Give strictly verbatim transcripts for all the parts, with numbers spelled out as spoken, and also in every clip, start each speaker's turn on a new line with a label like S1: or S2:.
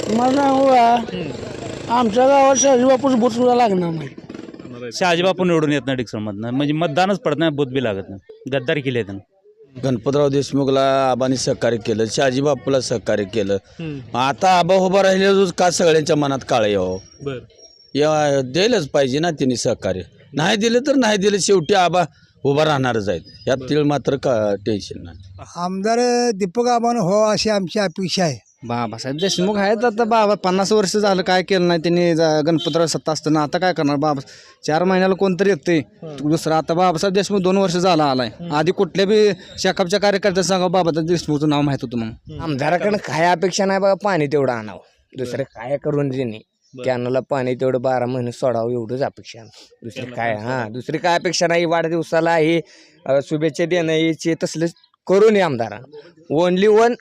S1: मला सांगू आमच्या गावात शहाजी बापूस बूथ सुद्धा लागणार नाही.
S2: शहाजी बापू निवडून येत नाही डिक्सलमधनं, म्हणजे मतदानच पडत नाही, बूथ बी लागत नाही. गद्दारी केली आहे
S3: गणपतराव देशमुखला आबांनी सहकार्य केलं, शहाजी बापूला सहकार्य केलं. आता आबा उभा राहिले का सगळ्यांच्या मनात काळ यावं, या द्यायलाच पाहिजे ना त्यांनी सहकार्य. नाही दिले तर नाही दिले, शेवटी आबा उभा राहणारच आहेत, यात तीळ मात्र का टेन्शन नाही.
S4: आमदार दीपक आबान हो अशी आमची अपेक्षा आहे.
S5: बाबासाहेब देशमुख आहेत आता. बाबा पन्नास वर्ष झालं काय केलं नाही त्यांनी. गणपतराव सत्ता असताना आता काय करणार बाबा. चार महिन्याला कोणतरी येते दुसरा. आता बाबासाहेब देशमुख दोन वर्ष झाला आलाय. आधी कुठल्या बी शेकापच्या कार्यकर्त्या सांगा बाबासाहेब देशमुखचं नाव माहित होतं. मग
S6: आमदाराकडे काय अपेक्षा नाही बघा, पाणी तेवढं आणावं, दुसरं काय करून त्यांनी कॅनला पाणी तेवढं बारा महिने सोडावं एवढंच अपेक्षा. दुसरी काय हा दुसरी काय अपेक्षा नाही. वाढदिवसाला हे शुभेच्छा देणं याचे तसले करून ये आमदारा. ओनली वन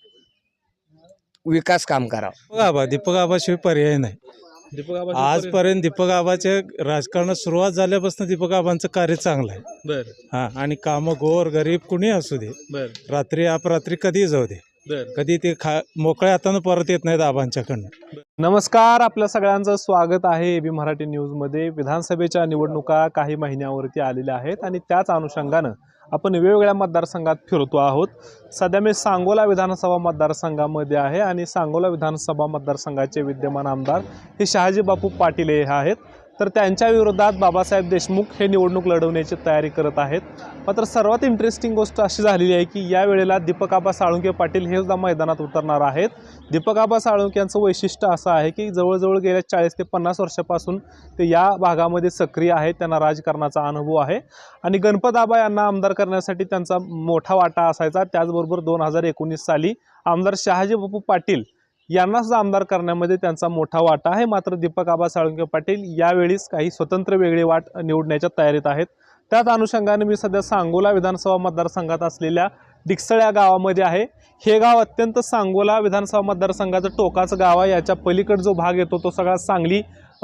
S6: विकास काम करावं.
S7: दीपक आबा दीपक आबाशिवाय पर्याय नाही.
S8: दीपक आबा
S7: आजपर्यंत दीपक आबाच्या राजकारणात सुरुवात झाल्यापासून दीपक आबांचं कार्य चांगलं आहे.
S8: बर
S7: हा आणि कामं गोर गरीब कुणी असू दे,
S8: बर
S7: रात्री अपरात्री कधी जाऊ दे,
S8: बर
S7: कधी ते खा मोकळ्या हातानं परत येत नाहीत आबांच्याकडनं.
S8: नमस्कार, आपल्या सगळ्यांचं स्वागत आहे एबी मराठी न्यूजमध्ये. विधानसभेच्या निवडणुका काही महिन्यावरती आलेल्या आहेत आणि त्याच अनुषंगानं आपण वेगवेगळ्या मतदारसंघात फिरतो आहोत. सध्या मी सांगोला विधानसभा मतदारसंघामध्ये आहे आणि सांगोला विधानसभा मतदारसंघाचे विद्यमान आमदार हे शहाजी बापू पाटील हे आहेत. तर त्यांच्या विरोधात बाबासाहेब देशमुख हे निवडणूक लढवण्याची तयारी करत आहेत. मात्र सर्वात इंटरेस्टिंग गोष्ट अशी झालेली आहे की यावेळेला दीपक आबा साळुंखे पाटील हे सुद्धा मैदानात उतरणार आहेत. दीपक आबा साळुंखे यांचं वैशिष्ट्य असं आहे की जवळजवळ गेल्या चाळीस ते पन्नास वर्षापासून ते या भागामध्ये सक्रिय आहेत. त्यांना राजकारणाचा अनुभव आहे आणि गणपत आबा यांना आमदार करण्यासाठी त्यांचा मोठा वाटा असायचा. त्याचबरोबर दोन हजार एकोणीस साली आमदार शहाजी बापू पाटील यांना सुद्धा आमदार करण्यामध्ये त्यांचा मोठा वाटा आहे. मात्र दीपक आबा साळुंखे पाटील यावेळीस काही स्वतंत्र वेगळी वाट निवडण्याच्या तयारीत आहेत. त्याच अनुषंगाने मी सध्या सांगोला विधानसभा मतदारसंघात असलेल्या डिकसळ या गावामध्ये आहे. हे गाव अत्यंत सांगोला विधानसभा मतदारसंघाचं टोकाचं गाव आहे. याच्या पलीकडे जो भाग येतो तो सगळा सांगली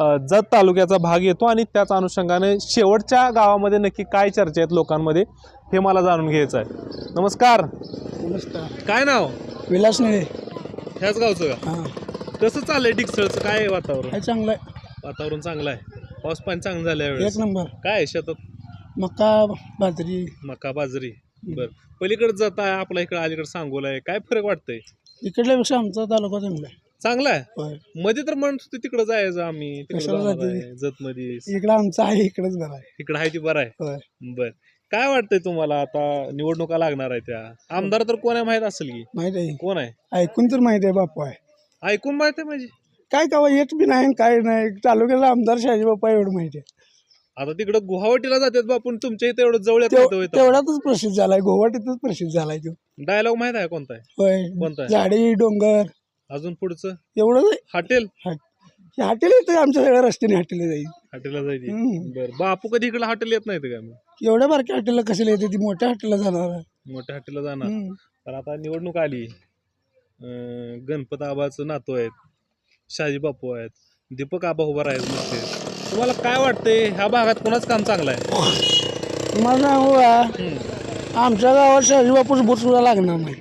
S8: जत तालुक्याचा भाग येतो आणि त्याच अनुषंगाने शेवटच्या गावामध्ये नक्की काय चर्चा आहेत लोकांमध्ये हे मला जाणून घ्यायचं आहे. नमस्कार.
S1: नमस्कार.
S8: काय नाव?
S1: विलास निळे.
S8: ह्याच गावचं का?
S1: हां
S8: कसं चाललंय डिक्सळचं? काय आहे वातावरण?
S1: काय चांगलं आहे.
S8: वातावरण चांगलं आहे. पाऊस पाणी चांगलं झालं यावेळेस.
S1: एक नंबर.
S8: काय आहे शेतात?
S1: मका बाजरी.
S8: मका बाजरी. बर, पलीकडे जात आहे आपल्या इकडे अलीकडे सांगोला आहे. काय फरक वाटतंय?
S1: इकडल्यापेक्षा आमचा तालुका चांगला आहे.
S8: चांगला आहे.
S1: होय.
S8: मध्ये तर म्हणत होते तिकडे जायचं आम्ही,
S1: कशाला जाते?
S8: जत मध्ये.
S1: इकडं आमचं आहे, इकडंच बरं आहे.
S8: इकडे आहे ती बरं आहे.
S1: होय.
S8: बर, काय वाटतंय तुम्हाला? आता निवडणुका लागणार आहे, त्या आमदार तर कोण आहे माहित असेल की?
S1: माहित आहे,
S8: कोण आहे?
S1: ऐकून तर माहिती आहे. बापू आहे.
S8: ऐकून माहित आहे म्हणजे?
S1: काय का येत बी नाही काय नाही. तालुक्याला आमदार शहाजी बापा एवढं माहिती आहे.
S8: आता तिकडे गुवाहाटीला जातात बापून, तुमच्या इथे एवढं जवळ येतं.
S1: तेवढ्यातच प्रसिद्ध झालाय, गोवाटीतच प्रसिद्ध झालाय तो
S8: डायलॉग माहित आहे कोणता आहे?
S1: होय.
S8: कोणता आहे?
S1: झाडी डोंगर
S8: अजून पुढचं
S1: एवढंच
S8: हॉटेल.
S1: हॉटेल येतं आमच्या सगळ्या रस्त्याने हॉटेल जाईल.
S8: हॉटेलला जायची.
S1: हम्म.
S8: बरं, बापू कधी इकडे हॉटेल येत नाही का? मग
S1: एवढ्या बारक्या हॉटेलला कशाला येते? ती मोठ्या हॉटेलला जाणार आहे.
S8: मोठ्या हॉटेलला जाणार.
S1: हम्म.
S8: तर आता निवडणूक आली, अं, गणपत आबाचं नातू आहेत, शहाजी बापू आहेत, दीपक आबा उभा आहेत नुसते. तुम्हाला काय वाटतंय ह्या भागात कोणाच काम चांगलं आहे?
S1: मला सांगू का आमच्या गावात शहाजी बापूस बूथ सुद्धा लागणार नाही.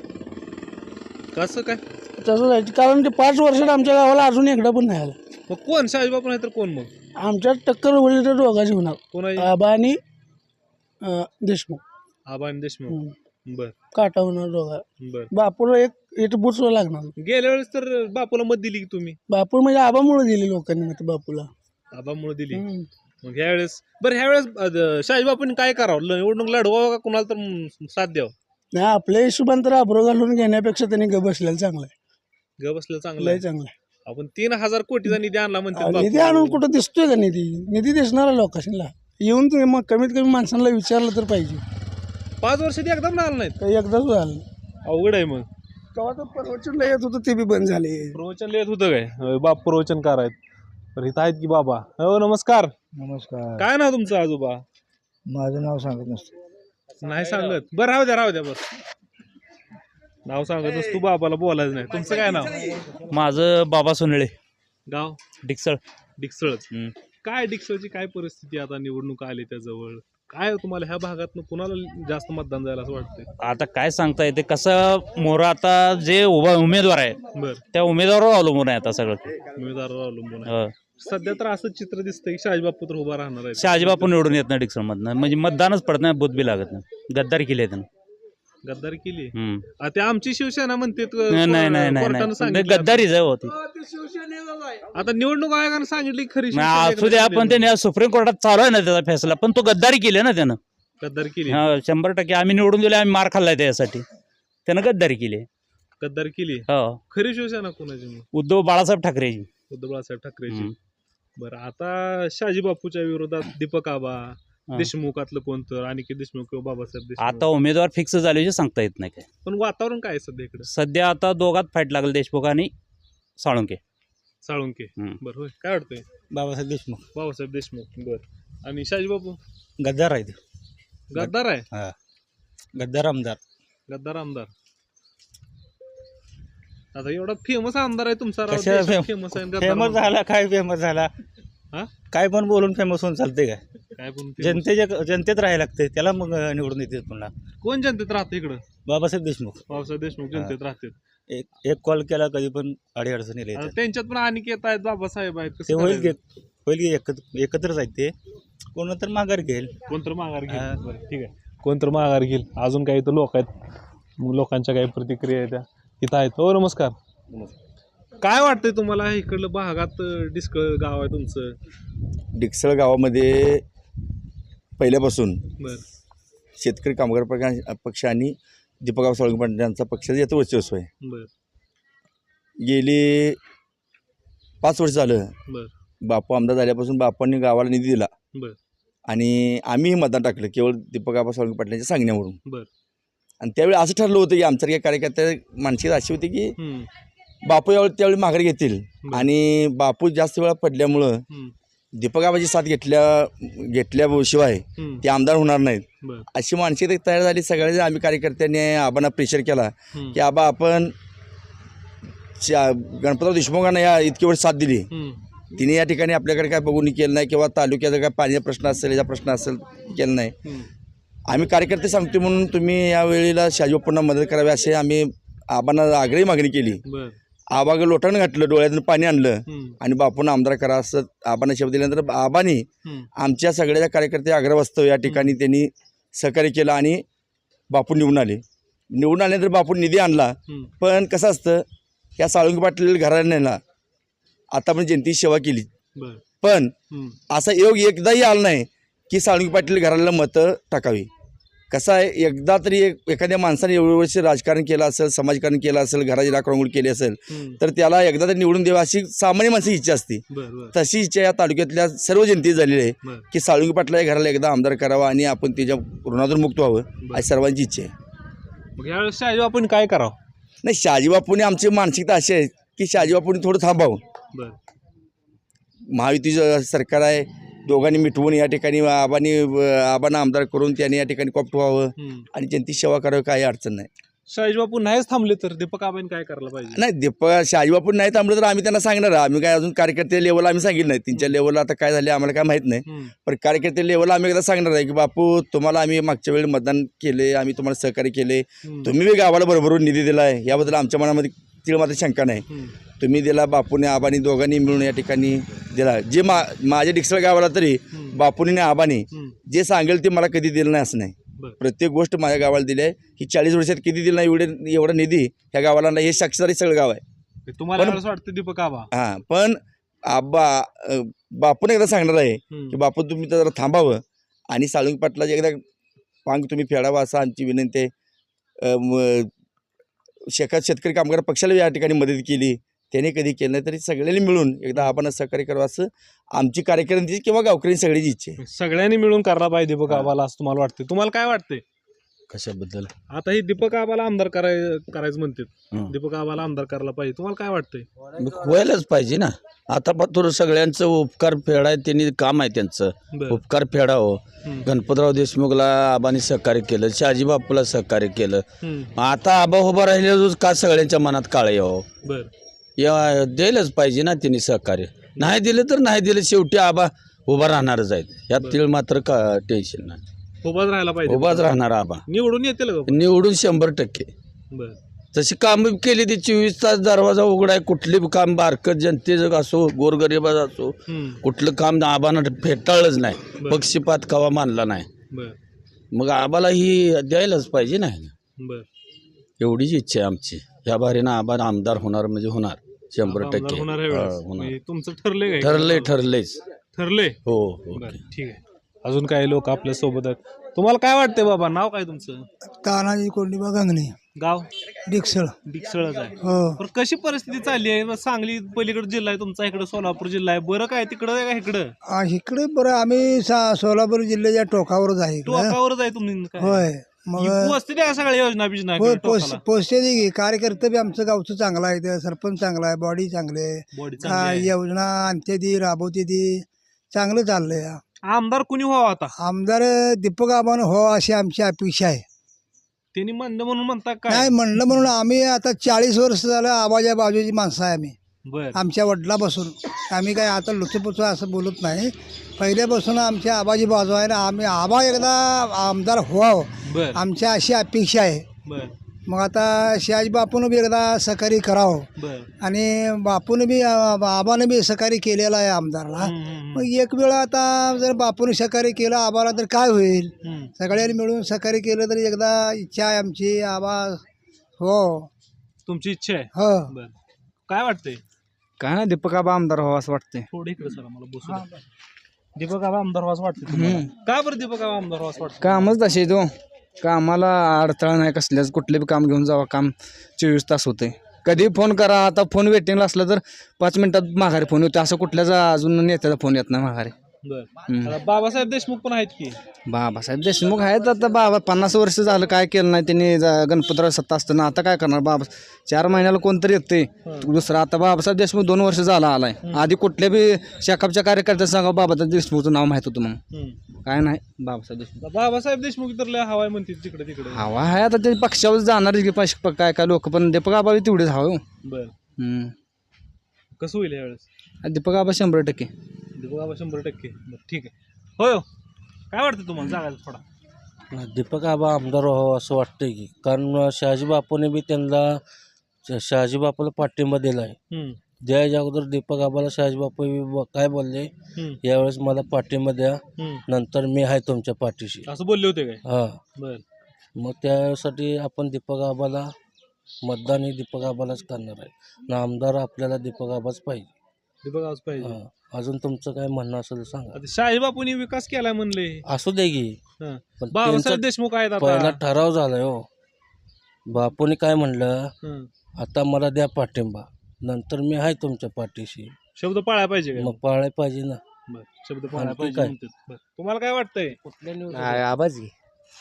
S8: कसं काय?
S1: तसं जायचं कारण ते पाच वर्षात आमच्या गावाला अजून एकदा पण नाही आला.
S8: मग कोण? शहाजी बापू नाही तर कोण? मग
S1: आमच्या टक्कर होईल तर दोघांची होणार,
S8: कोण आहे?
S1: आबा आणि अं, देशमुख.
S8: आबा आणि देशमुख.
S1: हम्म.
S8: बर
S1: काटा होणार दोघा.
S8: बर.
S1: बापूला एक एक बूथ सुद्धा लागणार नाही.
S8: गेल्या वेळेस तर बापूला मत दिली की तुम्ही?
S1: बापू म्हणजे आबामुळे दिली लोकांनी मत बापूला.
S8: आबामुळे दिली.
S1: हम्म.
S8: मग ह्या वेळेस बरं, ह्या वेळेस शहाजी बापूंनी काय करावं? निवडणूक लढवावं का कोणाला तर म, साथ द्यावं?
S1: नाही, आपल्या हिशोबान तर आब्रो घालून घेण्यापेक्षा त्यांनी ग बसलेलं चांगलं आहे.
S8: ग बसलं चांगलं
S1: लय
S8: आहे.
S1: चांगलं आहे.
S8: आपण तीन हजार कोटीचा निधी आणला म्हणते
S1: निधी आणून कुठं दिसतोय का? निधी निधी दिसणारा लोकांना येऊन तुम्ही मग कमीत कमी माणसांना विचारलं तर पाहिजे.
S8: पाच वर्षात एकदम आलं नाहीत.
S1: काही एकदाच झालं.
S8: अवघड आहे. मग
S1: तेव्हा तर प्रवचनला येत होतं ते बी बंद झाले.
S8: प्रवचन लिहित होतं काय? अं, बाप प्रवचनकार आहेत. तर इथं आहेत की बाबा? हो, नमस्कार.
S4: नमस्कार.
S8: काय नाव तुमचं आजोबा?
S4: माझं नाव सांगत नसतं.
S8: नाही सांगत. बरं, राहू द्या राहू द्या बस. नाव सांगतच तू, बाबाला बोलायचं नाही. तुमचं काय नाव?
S2: माझं बाबा सोनळे,
S8: गाव?
S2: डिक्सळ.
S8: डिक्सळच.
S2: हम्म.
S8: काय डिक्सळची काय परिस्थिती आता? निवडणूक आली त्याजवळ, काय तुम्हाला ह्या भागातनं कुणाला जास्त मतदान जायला असं वाटतंय?
S2: आता काय सांगता येते कसं मोरा आता जे उभा उमेदवार आहे
S8: बर
S2: त्या उमेदवारावर अवलंबून आहे आता सगळं.
S8: उमेदवारावर अवलंबून आहे.
S2: हो.
S8: सध्या तर असं चित्र दिसतंय की शहाजी बापू तर उभा राहणार आहे.
S2: शहाजीबापू निवडून येत नाही डिक्सनमधनं म्हणजे मतदानच पडत नाही बुथ बी लागत नाही गद्दारी केली आहे त्यानं.
S8: गद्दारी केली.
S2: हम्म.
S8: आ, ते आमची शिवसेना म्हणते
S2: नाही नाही नाही नाही नाही गद्दारीच आहे होती.
S8: आता निवडणूक आयोगानं सांगितली की खरी शिवसेना
S2: नाही, असू द्या पण त्याने सुप्रीम कोर्टात चालू आहे ना त्याचा फैसला पण तो गद्दारी केली ना त्यानं.
S8: गद्दारी केली.
S2: हा शंभर टक्के आम्ही निवडून दिले आम्ही मार खाल्लाय त्यासाठी त्यानं गद्दारी केली.
S8: गद्दारी केली.
S2: हो
S8: खरी शिवसेना कोणाची मग?
S2: उद्धव बाळासाहेब ठाकरेजी.
S8: उद्धव बाळासाहेब ठाकरेची.
S2: हम्म.
S8: बरं आता शहाजी बापूच्या विरोधात दीपक आबा
S2: हा.
S8: देशमुखातलं कोणतं अनिकेत देशमुख किंवा बाबासाहेब देशमुख
S2: आता उमेदवार फिक्स झाल्याचे सांगता येत नाही काय.
S8: पण वातावरण काय आहे सध्या इकडे?
S2: सध्या आता दोघात फाईट लागेल देशमुख आणि साळुंके.
S8: साळुंके.
S2: हम्म.
S8: बरं होय काय वाटतंय?
S5: बाबासाहेब देशमुख
S8: बाबासाहेब देशमुख. बरं आणि शहाजी बापू
S5: गद्दार आहे
S8: गद्दार आहे.
S5: गद्दार आमदार.
S8: गद्दार आमदार. आता एवढा फेमस आमदार आहे तुमचा
S5: कशाला फेम-
S8: फेमस आहे गद्दार
S5: फेमस
S8: म्हणून.
S5: झाला काय फेमस झाला
S8: हा?
S5: काय पण बोलून फेमस होऊन चालते काय?
S8: काय पण famous.
S5: जनतेच्या जनतेत राहायला लागते त्याला मग निवडून येते पुन्हा.
S8: कोण जनतेत राहते इकडं?
S5: बाबासाहेब देशमुख.
S8: बाबासाहेब देशमुख जनतेत राहते.
S5: एक एक कॉल केला कधी पण अडी अडचणी
S8: आता
S5: येतात
S8: त्यांच्यात पण अनिकेत आहेत बाबासाहेब आहेत.
S5: ते
S8: कसं
S5: होईल की
S8: करायचं?
S5: होईल की एकत्र एकत्रच आहेत ते कोण तर माघार घेईल.
S8: कोणतर माघार घेईल.
S5: हा.
S8: बरं, ठीक आहे. कोणतर माघार घेईल. अजून काही इथं लोक आहेत मग लोकांच्या काही प्रतिक्रिया आहेत त्या इथं आहेत. हो नमस्कार. काय वाटतंय तुम्हाला इकडलं भागात डिस्कळ गाव आहे तुमचं?
S9: डिकसळ गावामध्ये पहिल्यापासून
S8: बर
S9: शेतकरी कामगार पक्ष- पक्ष आणि दीपकराव साळुंके पाटील यांचा पक्षाचं याचं वर्चस्व आहे.
S8: बर
S9: गेली पाच वर्ष झालं
S8: बर
S9: बापू आमदार झाल्यापासून बापांनी गावाला निधी दिला
S8: बर
S9: आणि आम्हीही मतदान टाकलं केवळ दीपकराव साळुंके पाटलांच्या सांगण्यावरून.
S8: बर
S9: आणि त्यावेळी असं ठरलं होतं की आमच्या कार्यकर्त्या मानसिकता अशी होती की
S8: हम्म,
S9: बापू यावेळी त्यावेळी माघारी घेतील
S8: बरं.
S9: आणि बापू जास्त वेळा पडल्यामुळं
S8: हम्म,
S9: दीपकरावाची साथ घेतल्या घेतल्याशिवाय
S8: हम्म,
S9: ते आमदार होणार नाहीत
S8: बर
S9: अशी मानसिकता तयार झाली. सगळे आम्ही कार्यकर्त्यांनी आबांना प्रेशर केला
S8: हम्म,
S9: की आबा आपण च्या- गणपतराव देशमुखांना या इतकी वर्ष साथ दिली,
S8: हम्म,
S9: तिने या ठिकाणी आपल्याकडे काय बघून केलं नाही किंवा तालुक्याचा काय पाण्याचा प्रश्न असेल याचा प्रश्न असेल केलं नाही.
S8: हम्म,
S9: आम्ही कार्यकर्ते सांगतो म्हणून तुम्ही या वेळेला शहाजीबापूंना मदत करावी असे आम्ही आबांना आग्रही मागणी केली.
S8: बर
S9: आबाग लोटानं घातलं, डोळ्यातून पाणी आणलं
S8: हम्म,
S9: आणि बापूंना आमदार करा असं आबांना शब्द दिल्यानंतर आबांनी
S8: हम्म,
S9: आमच्या सगळ्या कार्यकर्ते आग्रहवास्तव या ठिकाणी त्यांनी सहकार्य केलं आणि बापू निवडून आले. निवडून आल्यानंतर बापू निधी आणला.
S8: हम्म,
S9: पण कसं असतं या साळुंके पाटील घराण्याला आता आपण जनतेची सेवा केली
S8: बर
S9: पण
S8: हम्म,
S9: असा योग एकदाही आला नाही की साळुंके पाटील घराला मतं टाकावी. कसं आहे एकदा तरी एक एखाद्या माणसाने एवढे वर्ष राजकारण केलं असेल, समाजकारण केलं असेल, घराची राखरंगोळी केली असेल
S8: हम्म,
S9: तर त्याला एकदा तरी निवडून द्यावं अशी सामान्य माणसाची इच्छा असते.
S8: बर बर
S9: तशी इच्छा या तालुक्यातल्या सर्व जनतेची झालेली आहे
S8: बर
S9: की साळुंके पाटला या घराला एकदा आमदार करावा आणि आपण त्याच्या ऋणातून मुक्त व्हावं अशी सर्वांची इच्छा आहे.
S8: मग यावेळेस शहाजी आपण काय करावं?
S9: नाही शहाजीबापूंनी आमची मानसिकता अशी आहे की शहाजीबापूंनी थोडं थांबावं.
S8: बर
S9: महायुतीचं सरकार आहे, दोघांनी मिटवून या ठिकाणी आबांनी आबांना आमदार करून त्यांनी या ठिकाणी कॉप्ट व्हावं
S8: हम्म.
S9: आणि जनतेची सेवा करावी, काही अडचण नाही.
S8: शहाजी बापू नाहीच थांबले तर दीपक आबांनी काय करायला पाहिजे?
S9: नाही दीपक शहाजीबापू नाही थांबलं तर आम्ही त्यांना सांगणार आहे. आम्ही काय अजून कार्यकर्ते लेवलला आम्ही सांगितलं नाही. त्यांच्या लेवलला आता काय झाले आम्हाला काय माहीत नाही.
S8: हम्म,
S9: पण कार्यकर्ते लेवलला आम्ही एकदा सांगणार आहे की बापू तुम्हाला आम्ही मागच्या वेळी मतदान केले, आम्ही तुम्हाला सहकार्य केले,
S8: हम्म,
S9: तुम्ही बी गावाला बरोबरून निधी दिला आहे याबद्दल आमच्या मनामध्ये तिळ मात्र शंका नाही.
S8: हम्म,
S9: तुम्ही दिला, बापूने आबानी दोघांनी मिळून या ठिकाणी दिला. जे मा माझ्या डिक्सळ गावाला तरी
S8: हम्म,
S9: बापूने आणि आबानी
S8: हम्म,
S9: जे सांगेल ते मला कधी दिलं नाही असं नाही.
S8: बरं.
S9: प्रत्येक गोष्ट माझ्या गावाला दिली आहे. ही चाळीस वर्षात किती दिलं नाही एवढे एवढा निधी ह्या गावाला नाही, हे साक्षीदारी सगळं गाव आहे.
S8: तुम्हाला
S9: पण-
S8: यावेळेस वाटतं दीपक आबा?
S9: हां पण आबा अ, बापूने एकदा सांगणार आहे
S8: हम्म,
S9: की बापू तुम्ही तर जरा थांबावं आणि साळुंके पाटलाची एकदा पांग तुम्ही फेडावा असं आमची विनंती आहे. अ, म- शेका शेतकरी कामगार पक्षाला या ठिकाणी मदत केली, त्याने कधी केलं नाही तरी सगळ्यांनी मिळून एकदा आपण सहकार्य करावं असं आमची कार्यकर्त्यांची किंवा गावकऱ्यांची सगळ्याची इच्छा आहे.
S8: सगळ्यांनी मिळून करायला पाहिजे दीपक आबाला असं तुम्हाला वाटतं? तुम्हाला काय वाटतंय?
S3: कशाबद्दल
S8: आता ही दीपक आबाला आमदार कराय करायचं म्हणतात.
S3: हं.
S8: दीपक आबाला आमदार करायला पाहिजे. तुम्हाला काय वाटतंय?
S3: व्हायलाच पाहिजे ना. आता पातूर सगळ्यांचं उपकार फेडाय त्यांनी काम आहे त्यांचं.
S8: बर
S3: उपकार फेडावं.
S8: हम्म,
S3: गणपतराव देशमुखला आबांनी सहकार्य केलं, शहाजी बापूला सहकार्य केलं.
S8: हम्म,
S3: आता आबा उभा राहिल्यावर का सगळ्यांच्या मनात काळं यावं.
S8: बर
S3: या द्यायलाच पाहिजे ना त्यांनी सहकार्य. नाही दिलं तर नाही दिलं, शेवटी आबा उभा राहणारच आहेत. यात तीळ मात्र का टेन्शन नाही.
S8: उभाच राहायला पाहिजे.
S3: उभाच राहणार आबा
S8: निवडून येतील का?
S3: निवडून शंभर टक्के.
S8: बर
S3: तशी कामं केली ती चोवीस तास दरवाजा उघडाय कुठली बी काम बारकत जनतेचं असो गोरगरिबाचं असो
S8: हम्म.
S3: कुठलं काम आबानं फेटाळलंच नाही.
S8: बरं.
S3: पक्षपात कवा मानला नाही.
S8: बर
S3: मग आबाला ही द्यायलाच पाहिजे नाही.
S8: बर
S3: एवढीच इच्छा आहे आमची. ह्या बारीनं आबा आमदार होणार म्हणजे होणार शंभर
S8: आमदार
S3: टक्के.
S8: होणार आहे
S3: हा,
S8: वेळेस.
S3: होणार.
S8: म्हणजे तुमचं ठरलंय काय?
S3: ठरलंय ठरलंयच
S8: ठरलंय.
S3: हो हो
S8: बर ठीक आहे. अजून काही लोक आपल्या सोबत आहेत. तुम्हाला काय वाटतंय बाबा? नाव काय तुमचं?
S4: तानाजी कोंडीबा गंगणे
S8: गाव?
S4: डिक्सळ.
S8: डिकसळच आहे.
S4: हो
S8: पण कशी परिस्थिती चालली आहे? मग सांगली पलीकडे जिल्हा आहे तुमचा, इकडे सोलापूर जिल्हा आहे. बरं काय तिकडं आहे का इकडं?
S4: आ, इकडे बरं आम्ही सा- सोलापूर जिल्ह्याच्या टोकावरच आहे इकडं.
S8: टोकावरच आहे तुम्ही काय?
S4: होय मग
S8: पोचते त्या सगळ्या योजना बिजना
S4: होय
S8: इकडे
S4: पोस्ट
S8: टोकाला?
S4: पोस्टे दे कार्यकर्ते बी आमचं गावचं चांगलं आहे ते सरपंच चांगला आहे बॉडी चांगले आहे.
S8: बॉडी
S4: आ,
S8: चांगली आहे.
S4: योजना आणते ती राबवते ती चांगलं चाललंय.
S8: आमदार कुणी व्हावा आता?
S4: आमदार दीपक आबानं हो अशी आमची अपेक्षा आहे.
S8: त्यांनी म्हणलं म्हणून म्हणता काय?
S4: नाही म्हणलं म्हणून आम्ही आता चाळीस वर्ष झालं आबाच्या बाजूची माणसं आहे आम्ही.
S8: बर
S4: आमच्या वडिलापासून आम्ही काय आता लुचपुच असं बोलत नाही. पहिल्यापासून आमच्या आबाची बाजू आहे ना. आम्ही आबा एकदा आमदार व्हावं
S8: बर
S4: आमच्या अशी अपेक्षा आहे.
S8: बर
S4: मग आता शहाजी बापून बी एकदा सहकार्य करावं
S8: बर
S4: आणि बापून बी आबानं बी सहकार्य केलेलं आहे आमदारला.
S8: हम्म, हम्म,
S4: मग एक वेळा आता जर बापून सहकार्य केलं आबाला तर काय होईल.
S8: हम्म.
S4: सगळ्यांनी मिळून सहकार्य केलं तर एकदा इच्छा आहे आमची आबा हो
S8: तुमची इच्छा आहे?
S4: हो
S8: बर काय वाटतंय?
S5: काय नाही दीपक आबा आमदार व्हावं असं वाटतंय.
S8: थोडे इकडे सर मला बसू द्या. दीपक आबा आमदार व्हावं वाटतं तुम्हाला? का बरं दीपक आबा आमदार व्हावं वाटतं?
S5: कामच तसे तो कामाला अडथळा नाही कसल्याच. कुठले बी काम घेऊन जावा काम चोवीस तास होते. कधी फोन करा. आता फोन वेटिंगला असला तर पाच मिनिटात माघारी फोन होते. असं कुठल्याच अजून नेत्याचा फोन येत नाही माघारी.
S8: बर
S5: हम्म.
S8: आता बाबासाहेब देशमुख पण आहेत की?
S5: बाबासाहेब देशमुख आहेत आता. बाबा पन्नास वर्ष झालं काय केलं नाही त्यांनी. ज- गणपतराव सत्ता असताना आता काय करणार बाबा. चार महिन्याला कोणतरी येते दुसरं. आता बाबासाहेब देशमुख दोन वर्ष झाला आलाय. आधी कुठल्या बी शेकापच्या कार्यकर्त्या सांगा बाबासाहेब देशमुखचं नाव माहित होतं मग.
S8: हम्म.
S5: काय नाही बाबासाहेब देशमुख.
S8: बाबासाहेब देशमुख तर लय हवाय म्हणते तिकडे तिकडे.
S5: हवा आहे आता ते पक्षावर जाणार की पक्ष काय काय लोक. पण दीपक आबा तेवढेच हवं.
S8: बर
S5: हम्म.
S8: कसं होईल यावेळेस?
S5: दीपक आबा शंभर टक्के.
S8: दीपक आबा शंभर टक्के. बरं ठीक आहे. होय हो. काय वाटतं तुम्हाला? जागा थोडा.
S10: दीपक आबा आमदार व्हावं असं वाटतंय की. कारण शहाजी बापूने बी त्यांना श- शहाजी बापूला पाठिंबा दिला आहे.
S8: हम्म.
S10: द्यायच्या अगोदर दीपक आबाला शहाजी बापू बी ब- काय बोलले,
S8: हम्म.
S10: यावेळेस मला पाठिंबा द्या,
S8: हम्म.
S10: नंतर मी आहे तुमच्या पाठीशी.
S8: असं बोलले होते काय?
S10: हां,
S8: बर
S10: मग त्यासाठी आपण दीपक आबाला मतदान हे दीपक आबालाच करणार आहे. ना आमदार आपल्याला दीपक आबाच पाहिजे.
S8: दीपक आबाच पाहिजे.
S10: हां, अजून तुमचं काय म्हणणं असेल तर सांगा.
S8: आता शाही बापूंनी विकास केलाय म्हणले.
S10: असू दे की.
S8: हं.
S10: पण
S8: बाबासाहेब
S10: त्यांचा
S8: देशमुख आहेत
S10: पहिला
S8: आता.
S10: ठराव झालाय हो. बापूने काय म्हणलं,
S8: हं.
S10: आता मला द्या पाठिंबा, नंतर मी आहे तुमच्या पाठीशी.
S8: शब्द पाळायला पाहिजे काय?
S10: मग पाळाय पाहिजे ना.
S8: बर शब्द पाळायला
S10: आणखी
S8: पाहिजे
S10: काय?
S8: म्हणतात. बरं. तुम्हाला काय वाटतंय?
S6: नाही, आबाच घे.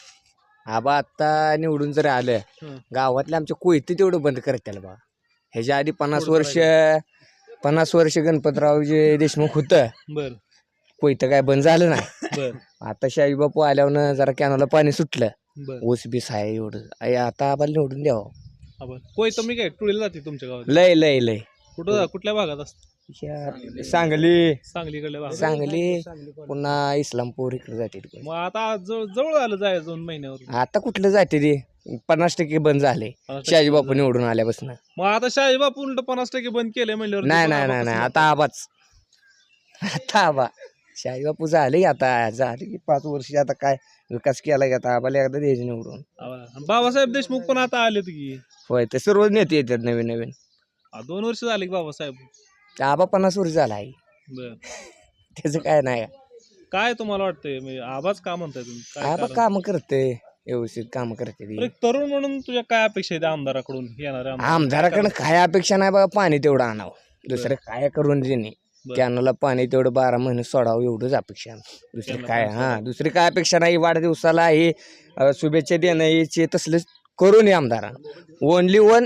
S6: आबा आत्ता निवडून जर आलं
S8: हं.
S6: गावातले आमचे कोयते तेवढं बंद करतील बा. ह्याच्या आधी पन्नास
S8: थोडं
S6: वर्ष पन्नास वर्ष गणपतराव जे देशमुख होतं
S8: बर
S6: कोयतं काय बंद झालं नाही.
S8: बर
S6: आता शाही बापू आल्यावर जरा कॅनला पाणी सुटलं.
S8: बर
S6: ऊस बीस आहे एवढं आई आता आम्हाला निवडून द्यावं.
S8: आबा कोय तुम्ही काय टुळीला जाते तुमच्या गावात?
S6: लय लय लय
S8: कुठं कुठल्या भागात असत?
S6: ह्या सांगली
S8: सांगलीकडल्या भागात.
S6: सांगली पुन्हा इस्लामपूर इकडे जाते तिकडे.
S8: मग आता जवळ जवळ आलं जायचं दोन महिन्यावर.
S6: आता कुठलं जाते ते पन्नास टक्के बंद झाले शाही बापू निवडून आल्यापासून.
S8: मग आता शाही बापू उलट पन्नास टक्के बंद केले म्हणल्यावर
S6: नाही
S8: दीपक
S6: नाही
S8: आबा
S6: नाही नाही
S8: कसं
S6: आता आबाच आता आबा शाही बापू झाले आता झाले की पाच वर्ष आता काय विकास केला की आता आबाला एकदा द्यायचे निवडून.
S8: आबा. आणि बाबासाहेब देशमुख पण आता आलेत की.
S6: होय ते सर्व नेते येतात नवीन नवीन.
S8: आ, दोन वर्ष झाले की बाबासाहेब.
S6: ते आबा पन्नास वर्ष झाला आहे
S8: बर
S6: त्याचं काय नाही.
S8: काय तुम्हाला वाटतंय म्हणजे आबाच का म्हणताय तुम्ही? काय
S6: आबा
S8: कारण?
S6: काम करते व्यवस्थित काम करते
S8: बरं,
S6: ती.
S8: एक तरुण म्हणून तुझ्या काय अपेक्षा आहेत आमदाराकडून येणाऱ्या आमदार?
S6: आमदाराकडे काय अपेक्षा नाही बघा. पाणी तेवढं आणावं दुसरं काय करून त्यांनी
S8: बरं.
S6: कॅनला पाणी तेवढं बारा महिने सोडावं एवढंच अपेक्षा आहे. दुसरी
S8: कॅनला
S6: काय
S8: पाणी
S6: हा दुसरी काय अपेक्षा नाही. वाढदिवसाला हे अ, शुभेच्छा देणं याचे तसलं करून ये आमदारानं. ओनली वन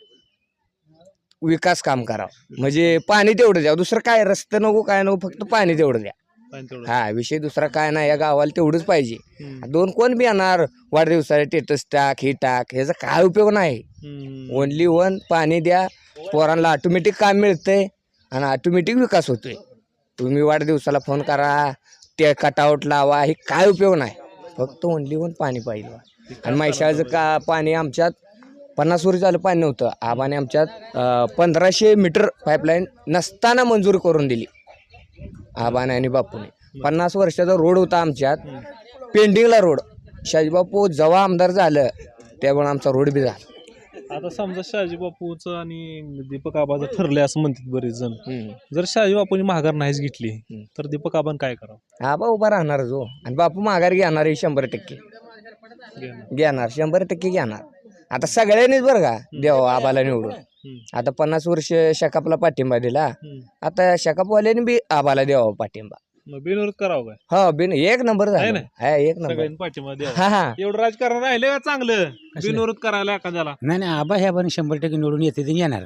S6: विकास काम करावं म्हणजे पाणी तेवढं द्या. दुसरं काय रस्ते नको काय नको फक्त पाणी तेवढं द्या.
S8: पाणी तेवढं.
S6: हा विषय दुसरा काय नाही. या गावाला तेवढंच पाहिजे.
S8: हम्म.
S6: दोन कोण बी येणार वाढदिवसाला टेटस टाक हे टाक ह्याचा काय उपयोग नाही.
S8: हम्म.
S6: ओनली वन पाणी द्या. पोरांना ऑटोमॅटिक काम मिळतंय आणि ऑटोमॅटिक विकास होतोय. तुम्ही वाढदिवसाला फोन करा ते कटआउट लावा हे काय उपयोग नाही. फक्त ओनली वन पाणी पाहिजे. आणि म्हैसाळचं का पाणी आमच्यात पन्नास वर्ष झालं पाणी नव्हतं. आबाने आमच्यात अं, पंधराशे मीटर पाईपलाईन नसताना मंजूर करून दिली आबाने आणि बापूने. पन्नास वर्षाचा रोड होता आमच्यात पेंडिंगला रोड. शाजीबापू जेव्हा आमदार झालं त्यावेळेला आमचा रोड बी झाला.
S8: आता समजा शहाजी बापूचं आणि दीपक आबाचं ठरले असं म्हणतात बरेच जण. जर शहाजी बापूंनी माघार नाहीच घेतली तर दीपक आबान काय करावं?
S6: आबा उभा राहणार जो आणि बापू माघार घेणार आहे शंभर टक्के घेणार शंभर टक्के घेणार. आता सगळ्यांनीच बरं का देव आबाला निवडून. आता पन्नास वर्ष शकापला पाठिंबा दिला. आता शकापवाल्याने बी आबाला द्यावा पाठिंबा.
S8: मग बिनविरोध करावं काय?
S6: हा बिन एक नंबर
S8: आहे
S6: झाला.
S8: ना?
S6: हा एक नंबर.
S8: सगळ्यांनी पाठिंबा द्यावा.
S6: हा हा
S8: एवढं राजकारण राहिले का चांगलं बिनविरोध करायला एखाद्याला?
S11: नाही नाही आबा ह्या पण शंभर टक्के निवडून येते ते येणार.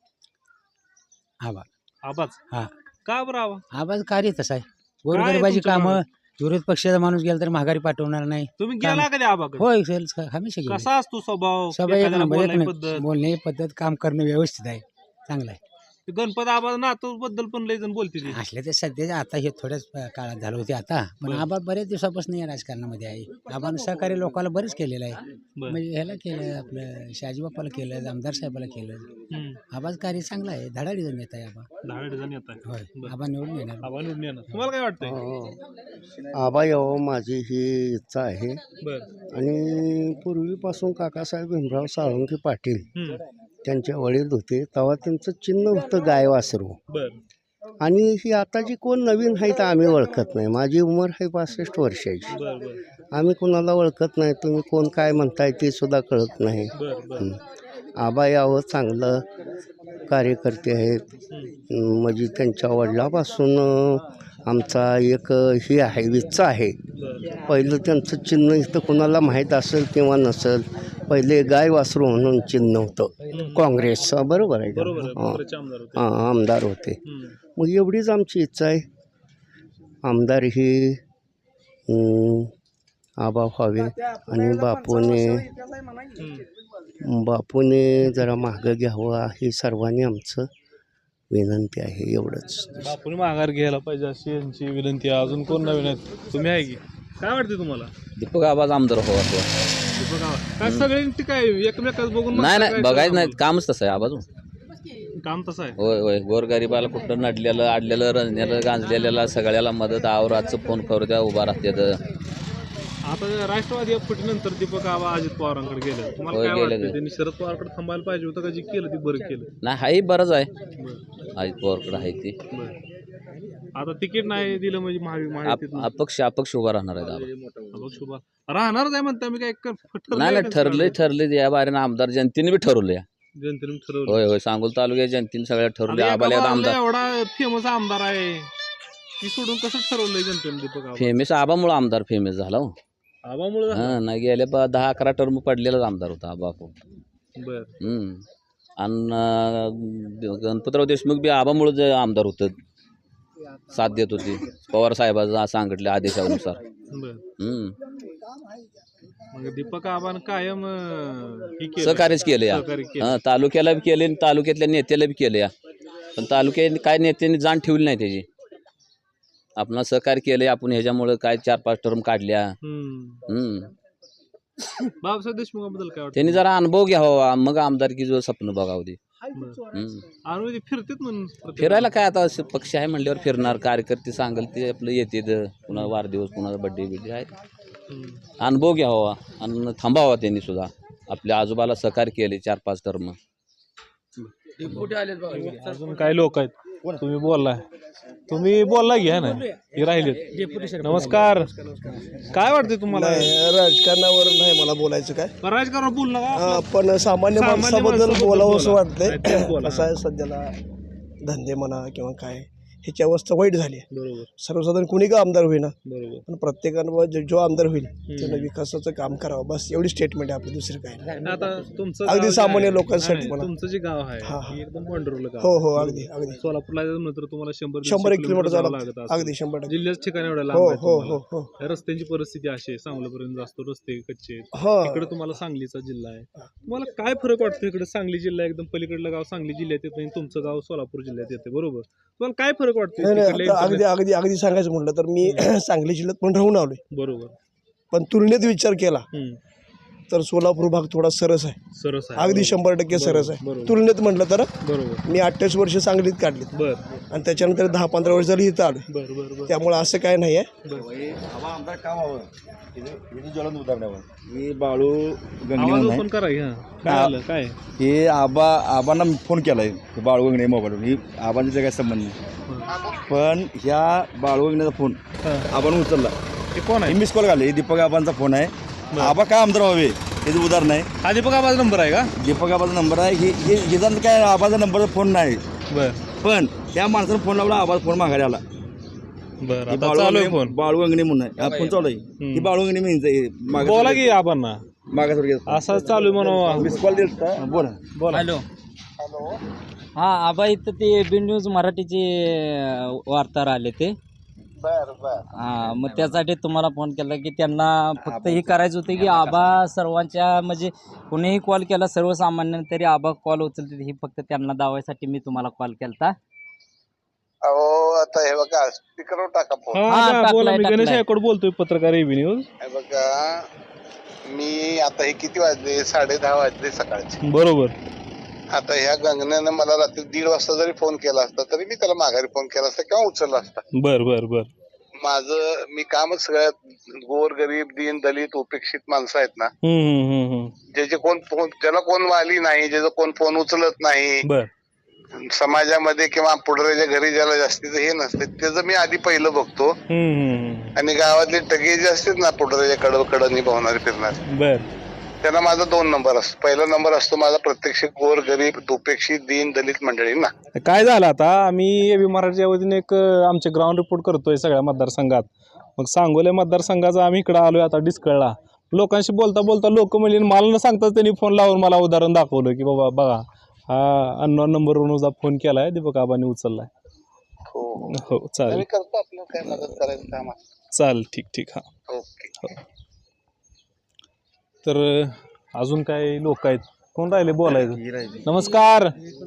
S11: आबा
S8: आबाच
S11: हा
S8: का बरं आबा?
S11: आबाचं कार्य तसं आहे. गोरगरिबाची
S8: तुमचं
S11: कामं विरोध पक्षाचा माणूस गेला तर माघारी पाठवणार नाही.
S8: तुम्ही
S11: काम-
S8: गेला कधी आबा?
S11: होय सर हमेशा गेले.
S8: कसा असतो स्वभाव?
S11: सभा एक
S8: एखाद्याला
S11: नंबर एक
S8: बोलायची
S11: नंबर.
S8: पद्धत?
S11: बोलण्याची पद्धत काम करणं व्यवस्थित आहे चांगलं आहे.
S8: गणपत आबा नातू बद्दल पण लय जण बोलते ते.
S11: असले ते सध्याच्या आता हे थोड्याच काळात झालं होते आता पण आबा बऱ्याच दिवसापासून या राजकारणामध्ये आहे. आबानं सहकार्य लोकांना बरेच केलेलं आहे.
S8: बरं.
S11: म्हणजे ह्याला केलं आपलं शहाजीबापाला केलं आमदार साहेबाला केलं.
S8: हम्म.
S11: आबाचं कार्य चांगलं आहे. धडाडी जण येत आहे आबा.
S8: दहा जण येत आहे.
S11: होय
S8: बरं.
S11: आबा निवडून येणार.
S8: आबा निवडून येणार. तुम्हाला काय वाटतंय?
S12: आबा यावं माझी ही इच्छा आहे.
S8: बर
S12: आणि पूर्वीपासून काकासाहेब भीमराव साळुंखे पाटील
S8: हम्म.
S12: त्यांचे वडील होते तेव्हा त्यांचं चिन्ह होतं गाय वासरू.
S8: बर
S12: आणि ही आता जी कोण नवीन आहे तर आम्ही ओळखत नाही. माझी उमर आहे पासष्ट वर्षाची.
S8: बर बर
S12: आम्ही कोणाला ओळखत नाही. तुम्ही कोण काय म्हणताय ते सुद्धा कळत नाही.
S8: बर बर
S12: हं. आबा यावं चांगलं कार्यकर्ते आहेत. अं, म्हणजे त्यांच्या वडिलापासून अं, आमचा एक ही आहे विच्चा आहे. पहिलं त्यांचं चिन्ह इथं कोणाला माहीत असेल किंवा नसेल. पहिले गाय वासरू म्हणून चिन्ह होतं काँग्रेसचं. बरोबर आहे का?
S8: बरोबर आहे.
S12: हां.
S8: काँग्रेसचे आमदार होते.
S12: हां आमदार होते.
S8: हम्म.
S12: मग एवढीच आमची इच्छा आहे आमदार ही अं, आबा व्हावे. आणि बापूने
S8: हम्म.
S12: बापूने जरा मागं घ्यावं ही सर्वांनी आमचं विनंती आहे. एवढंच.
S8: बापूने माघार घ्यायला पाहिजे अशी यांची विनंती आहे. अजून कोण नवीन आहेत? तुम्ही आहे की काय वाटते तुम्हाला?
S3: दीपक आबाच आमदार व्हावा.
S8: दीपक आबा. काय सगळ्यांची काय एकमेकाच बघून
S3: नाही
S8: म्हणताय
S3: नाही
S8: काय
S3: बघायचं नाही
S8: सगळं?
S3: कामच तसं आहे आबाजू.
S8: काम तसं आहे.
S3: होय होय गोरगरिबाला कुठं नडलेलं आडलेलं रंजलेलं गांजलेल्याला सगळ्याला मदत आवराचं फोन करू द्या उभा राहतात.
S8: आता राष्ट्रवादी फुटीनंतर दीपक आबा अजित पवारांकडे गेले. तुम्हाला
S3: होय,
S8: काय
S3: गेले
S8: वाटतं?
S3: ते.
S8: त्यांनी शरद पवारकडे थांबायला पाहिजे होतं का? जे केलं ते बरं केलं.
S3: नाही हाही बरंच आहे.
S8: बरं.
S3: अजित पवारकडे आहे ती.
S8: बरं. आता तिकीट नाही दिलं म्हणजे महावि
S3: आप-
S8: महायुतीतनं
S3: अपक्ष अपक्ष उभा राहणार आहेत आबा.
S8: अपक्ष उभा राहणारच आहे म्हणता. मी काय क- ठरलंय
S3: नाही
S8: का
S3: नाही ठरले ठरले या बारीनं आमदार जनतेने बी ठरवले.
S8: जनतेने ठरवलं.
S3: होय होय सांगोल तालुक्यात जनतेने सगळ्या ठरवले.
S8: आता
S3: आबाला
S8: एका
S3: आता
S8: बाजूला
S3: आमदार
S8: एवढा फेमस आमदार आहे ती सोडून कसं ठरवलंय जनतेने दीपक आबा?
S3: फेमस आबामुळे आमदार फेमस झाला हो.
S8: आबामुळे
S3: हा नाही गेले ब- दहा अकरा टर्म पडलेलाच आमदार होता आबा.
S8: बर
S3: हम्म आणि गणपतराव देशमुख बी आबामुळे जे आमदार होतं साथ देत होती पवार साहेबांचा सांगितले आदेशानुसार.
S8: बर
S3: हम्म
S8: मग दीपक आबान कायम अं, हे केलं.
S3: सहकार्यच केलं या
S8: सहकार्य केलं.
S3: हा तालुक्याला बी केले आणि तालुक्यातल्या नेत्याला बी केलं या. पण तालुक्यात काय नेत्यांनी जाण ठेवली नाही त्याची. आपण सहकार्य केलंय आपण ह्याच्यामुळे काय चार पाच टर्म काढल्या.
S8: हम्म.
S3: हम्म
S8: बाबासाहेब देशमुखाबद्दल काय वाटतं?
S3: त्यांनी जरा अनुभव घ्यावा मग आमदारकी जो स्वप्न बघावं ते. हम्म
S8: आणि फिरतेत म्हणून प्रत्येक-
S3: फिरायला काय आता असं पक्ष आहे म्हणल्यावर फिरणार कार्यकर्ते सांगेल ते आपलं येते कुणाला वाढदिवस कुणाला बड्डे बिड्डे आहेत.
S8: हम्म.
S3: अनुभव घ्यावा आणि थांबावा त्यांनी सुद्धा आपल्या आजोबाला सहकार्य केले चार पाच टर्म.
S8: अजून काही लोक आहेत. तुम्ही बोललाय तुम्ही बोलला घ्या ना हे राहिले. नमस्कार काय वाटते तुम्हाला?
S1: राजकारणावर नाही मला बोलायचं काय.
S8: राजकारण बोल ना
S1: हा, पण सामान्य
S8: सामान्य
S1: माणसाबद्दल
S8: माणसाबद्दल
S1: बोलावं असं
S8: बोला.
S1: वाटतंय.
S8: काहीतरी बोला.
S1: कसं आहे सध्याला धंदे म्हणा किंवा काय ह्याची अवस्था वाईट झाली आहे.
S8: बरोबर
S1: सर्वसाधारण कुणी का आमदार होईना
S8: बरोबर.
S1: पण प्रत्येकानं जो- जो आमदार होईल त्यानं विकासाचं काम करावं बस एवढी स्टेटमेंट आहे आपली दुसरं काय नाही.
S8: आता तुमचं
S1: अगदी
S8: गाव जे
S1: सामान्य
S8: आहे-
S1: लोकांसाठी
S8: नाही,
S1: म्हणा.
S8: तुमचं जे गाव आहे
S1: हा, हा.
S8: हे एकदम पंढरपूर गाव
S1: हो
S8: आहे.
S1: हो अगदी अगदी
S8: सोलापूरला जायचं म्हणलं तर तुम्हाला शंभर
S1: शंभर एक किलोमीटर
S8: जावं
S1: जावं
S8: लागत
S1: लागतं.
S8: असेल.
S1: अगदी शंभर टक्के.
S8: जिल्ह्याच ठिकाणी एवढ्या
S1: हो
S8: लांब आहे
S1: हो
S8: तुम्हाला.
S1: हो हो
S8: या रस्त्यांची परिस्थिती अशी आहे सांगलीपर्यंत जास्त रस्ते कच्चे आहेत.
S1: हा
S8: इकडे तुम्हाला सांगलीचा जिल्हा आहे. तुम्हाला काय फरक वाटतो? इकडे सांगली जिल्हा एकदम पलीकडलं गाव सांगली जिल्ह्यात येतं आणि तुमचं गाव सोलापूर जिल्ह्यात येते बरोबर. तुम्हाला काय फरक वाटतो?
S1: नाही नाही
S8: तिकडल्या
S1: आता अगदी
S8: internet-
S1: अगदी अगदी सांगायचं म्हटलं तर मी सांगली जिल्ह्यात पण राहून आलोय.
S8: बरोबर
S13: पण तुलनेत विचार केला
S8: हम्म.
S13: तर सोलापूर भाग थोडा सरस आहे,
S8: सरस आहे
S13: अगदी
S8: बरोबर.
S13: शंभर टक्के सरस
S8: बरोबर,
S13: आहे.
S8: बरोबर.
S13: तुलनेत म्हटलं तर
S8: बरोबर
S13: मी अठ्ठावीस वर्ष सांगलीत काढलीत
S8: बर
S13: आणि त्याच्यानंतर दहा पंधरा वर्ष झाली इथं आलो.
S8: बर बर बर
S13: त्यामुळे असं काय नाही आहे.
S9: आबा आमदार का व्हावं हे ज्वलन उदाहरणावर हे बाळू गंगणे
S8: आवाज
S9: म्हणून
S8: ओपन
S9: आहे.
S8: करा की, हा. काय आलं काय
S9: हे आबा आबांना फोन केला आहे बाळू गंगणे मोबाईलवर ही आबांचा काय संबंध नाही, पण ह्या बाळू गंगण्याचा फोन आबानं उचलला.
S8: ते कोण आहे?
S9: हे मिस कॉल घाले हे दीपक आबांचा फोन आहे. आबा काय आमदार व्हावे त्याचं उदाहरण आहे.
S8: हा दीपक आबाचा नंबर आहे का?
S9: दीपक आबाचा नंबर आहे. हे हे हे काय आबाचा नंबरचा फोन नाही,
S8: बर
S9: पण त्या माणसानं फोन लावला, आबाचा फोन माघारी आला.
S8: बर
S9: हे
S8: आता
S9: बाळू
S8: चालू आहे
S9: गंगणे-
S8: फोन.
S9: बाळू गंगणे म्हणून आहे. हा फोन चालू आहे. ही बाळू गंगणे म्हणजे
S8: बोला की आबांना
S9: मागास
S8: असं चालू आहे म्हणून.
S9: मिस कॉल दिला बोला
S8: बोला.
S14: हॅलो हां आबा इथं ते बी न्यूज मराठीचे वार्ताहर आले ते हां मग त्यासाठी तुम्हाला फोन केला की त्यांना फक्त हे करायचं होतं की आबा सर्वांच्या म्हणजे कोणीही कॉल केला सर्वसामान्य तरी आबा कॉल उचलते ही फक्त त्यांना दावायसाठी मी तुम्हाला कॉल केलता.
S15: अहो आता हे बघा स्पीकरवर टाका फोन.
S8: हा,
S14: हा,
S8: आता बोला.
S14: टाकलाय,
S8: मी गणेश
S14: टाकलाय.
S8: आयकोड बोलतोय, पत्रकार एबी न्यूज.
S15: हे बघा मी आता हे किती वाजले साडे दहा वाजले सकाळचे.
S8: बरोबर.
S15: आता ह्या गंगण्यानं मला रात्री दीड वाजता जरी फोन केला असता तरी मी त्याला माघारी फोन केला असता किंवा उचलला असता.
S8: बर बर बर
S15: माझं मी कामच सगळ्यात गोर गरीब दीन दलित उपेक्षित माणसं आहेत ना,
S8: हम्म हम्म हम्म हम्म
S15: ज्याचे कोण फोन ज्याला कोण वाली नाही, ज्याचं कोण फोन उचलत नाही,
S8: बर
S15: समाजामध्ये किंवा पुढऱ्याच्या घरी ज्याला जास्तीचं हे नसते त्याचं मी आधी पहिलं बघतो.
S8: हम्म हम्म
S15: आणि गावातले टगे जे असतात ना पुढऱ्याच्या कड कडनी पोहणारे फिरणारे
S8: बर
S15: त्यांना माझा दोन नंबर असतो. पहिला नंबर असतो माझा प्रत्यक्ष गोर गरीब उपेक्षित दीन दलित मंडळींना.
S8: काय झालं आता आम्ही एबी मराठीच्या वतीने एक अं, आमचे ग्राउंड रिपोर्ट करतोय सगळ्या मतदारसंघात. मग सांगोले मतदारसंघाचा आम्ही इकडे आलोय आता डिस्कळला. लोकांशी बोलता बोलता लोक म्हणजे मला न सांगताच त्यांनी फोन लावून मला उदाहरण दाखवलं की बाबा बघा हा अननोन नंबरवरून फोन केलाय दीपक आबांनी उचललाय.
S15: हो
S8: हो चालेल
S15: मी करतो आपलं काय मदत करायचं काम आहे.
S8: चालेल ठीक ठीक हा
S15: ओके.
S8: हो. तर अजून काय लोक आहेत कोण राहिले बोलायचं? नमस्कार.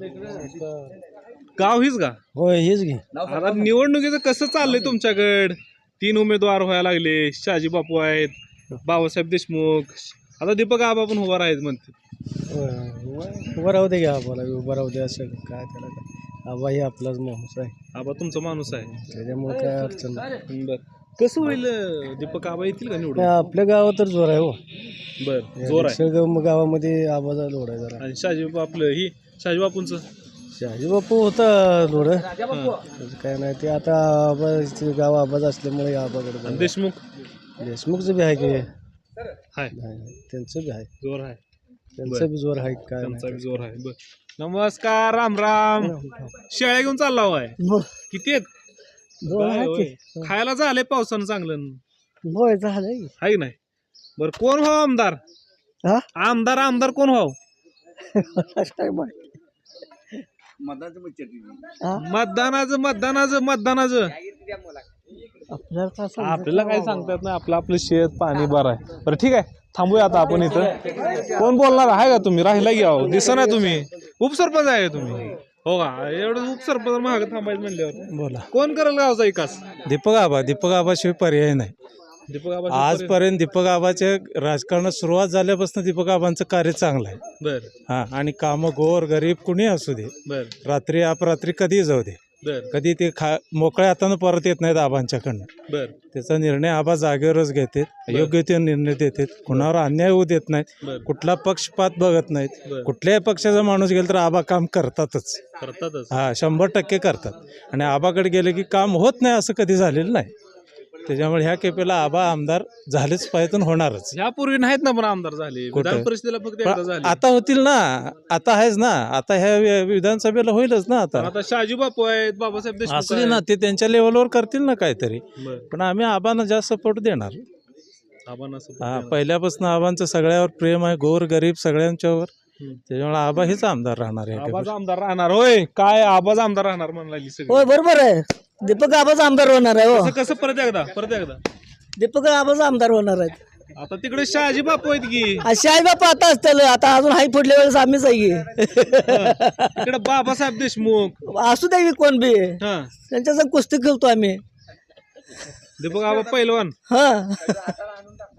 S8: गाव हीच का?
S1: होय हेच घे.
S8: आता निवडणुकीचं कसं चाललंय तुमच्याकडे? तीन उमेदवार व्हायला लागले. शहाजी बापू आहेत, बाबासाहेब देशमुख, आता दीपक आबा पण उभा आहेत म्हणते.
S1: उभं राहू दे घ्या आम्हाला उभं राहू दे असं काय त्याला काय आबा हे आपलाच माणूस आहे
S8: आबा तुमचा माणूस आहे
S1: त्याच्यामुळे काय अडचण नाही.
S8: बर कसं होईल दीपक आबा येतील का निवडून?
S1: आपल्या गावात तर जोर आहे हो.
S8: बर जोर आहे.
S1: सगळं गावामध्ये आबाचा लोड आहे जरा.
S8: आणि शहाजी बापू आपलं ही शहाजी बापूंचं
S1: शहाजी बापू होता लोड त्याचं काय नाही ते आता आबा गाव आबाज असल्यामुळे आबाकडे
S8: आणि देशमुख
S1: देशमुखचं बी आहे की
S8: हाय
S1: त्यांचं बी आहे
S8: जोर आहे.
S1: त्यांचं बी जोर आहे काय
S8: त्यांचा बी जोर आहे. बर नमस्कार राम राम. शेळ्या घेऊन चालला होय किती आहेत? काय होय? खायला झालंय पावसानं चांगलं
S1: होय झालंय
S8: आहे की नाही? बर कोण व्हाव आमदार? आमदार आमदार कोण व्हाव? मतदानाचं मतदानाचं मतदानाचं आपल्याला काय सांगतात ना आपलं आपलं शेत पाणी बरं आहे. बरं ठीक आहे थांबूया आता आपण इथं. कोण बोलणार आहे का तुम्ही? राहिला घ्या दिसा ना तुम्ही उपसरपंच आहे का तुम्ही? हो का एवढं उपसरपंच महाग थांबायचं म्हणल्यावर
S7: बोला
S8: कोण करेल गावचा विकास?
S7: दीपक आबा दीपक आबाशिवाय पर्याय नाही.
S8: दीपक आबा
S7: आजपर्यंत दीपक आबाच्या राजकारणात सुरुवात झाल्यापासून दीपक आबांचं कार्य चांगलं आहे.
S8: बर
S7: हा आणि कामं गोर गरीब कुणी असू दे,
S8: बर
S7: रात्री अपरात्री कधी जाऊ दे,
S8: बर
S7: कधी ते खा मोकळ्या हातानं परत येत नाहीत आबांच्याकडनं.
S8: बर
S7: त्याचा निर्णय आबा जागेवरच घेतात, योग्य ते निर्णय देतात, कुणावर अन्याय होऊ देत नाहीत,
S8: बर
S7: कुठला पक्षपात बघत नाहीत.
S8: बर
S7: कुठल्याही पक्षाचा माणूस गेला तर आबा काम करतातच.
S8: करतातच.
S7: हा शंभर टक्के करतात. आणि आबाकडे गेले की काम होत नाही असं कधी झालेलं नाही. त्याच्यामुळे ह्या केपेला आबा आमदार झालेच पाहिजे आणि होणारच.
S8: यापूर्वी नाहीत ना पण आमदार झाले
S7: कुठं?
S8: विधान परिषदेला फक्त एकदा
S7: पण
S8: झाले.
S7: आता होतील ना, आता आहेच ना, आता ह्या वि- विधानसभेला होईलच ना. आता
S8: आता शहाजी बापू आहेत, बाबासाहेब देशमुख
S7: असले ना ते त्यांच्या लेवलवर करतील ना काहीतरी.
S8: बर
S7: पण आम्ही आबांना जास्त सपोर्ट देणार.
S8: आबांना support
S7: हा
S8: देणार.
S7: पहिल्यापासून आबांचं सगळ्यावर प्रेम आहे, गोर गरीब सगळ्यांच्यावर.
S8: हम्म.
S7: त्याच्यामुळे आबा हेच आमदार राहणार आहे.
S8: आबाज आमदार राहणार होय काय? आबाज आमदार राहणार म्हणाली
S1: होय
S8: सगळी.
S1: बरोबर आहे. दीपक आबाच आमदार होणार आहे हो.
S8: कसं कसं परत एकदा परत एकदा
S1: दीपक आबाच आमदार होणार आहेत.
S8: आता तिकडे शहाजी बापू आहेत की
S1: अशी आई बापा आता असतील आता अजून हाय पुढल्या वेळेस आम्हीच आहे की.
S8: तिकडे बाबासाहेब देशमुख
S1: असू द्या की कोण बी
S8: हा
S1: त्यांच्या संग कुस्ती खेळतो आम्ही.
S8: दीपक आबा पैलवान
S1: हा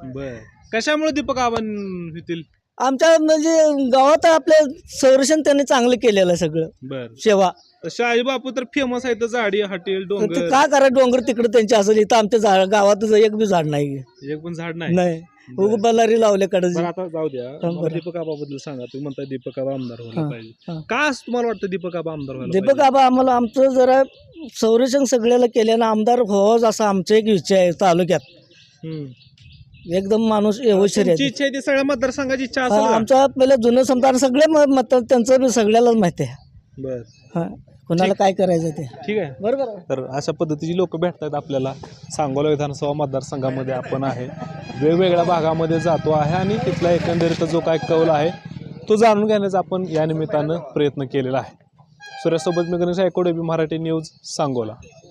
S8: बर कशामुळे दीपक आबा होतील?
S1: आमच्या म्हणजे गावात आपले संरक्षण त्यांनी चांगलं केलेलं आहे सगळं
S8: बर
S1: सेवा.
S8: शहाजी बापू तर फेमस आहे, तर झाडी हॉटेल
S1: ते
S8: डोंगर
S1: का करा डोंगर तिकडे त्यांचे असेल, इथं आमच्या झाड गावात एक बी झाड नाही
S8: एक पण झाड नाही.
S1: नाही उग बल्लारी लावले कडे.
S8: बरं आता जाऊ द्या,
S1: हा,
S8: मला
S1: बरं.
S8: दीपक आबाबद्दल सांगा. तुम्ही म्हणताय दीपक आबा आमदार व्हायला
S1: हा,
S8: पाहिजे,
S1: हा.
S8: का असं तुम्हाला वाटतं दीपक आबा आमदार व्हायला
S1: दीपक
S8: पाहिजे?
S1: आबा आम्हाला आमचं जरा संरक्षण सगळ्याला केल्यानं आमदार व्हावंच असं आमचं एक इच्छा आहे तालुक्यात.
S8: हम्म.
S1: एकदम माणूस व्यवस्थित
S8: तुमची
S1: आहे.
S8: इच्छा आहे ती सगळ्या मतदारसंघाची इच्छा
S1: हा,
S8: असेल का?
S1: आमचा पहिलं जुनं समजा सगळे म- मत त्यांचं बी सगळ्यालाच माहिती आहे.
S8: बर
S1: हा कोणाला काय करायचं ते
S8: ठीक आहे.
S1: बरोबर आहे.
S8: तर अशा पद्धतीची लोक भेटत आहेत आपल्याला. सांगोला विधानसभा मतदारसंघामध्ये आपण आहे, वेगवेगळ्या भागामध्ये जातो आहे आणि तिथला एकंदरीत जो काय कौल आहे तो जाणून घेण्याचा आपण या निमित्तानं प्रयत्न केलेला आहे. सूर्यासोबत मी गणेश ऐकोडे, बी मराठी न्यूज, सांगोला.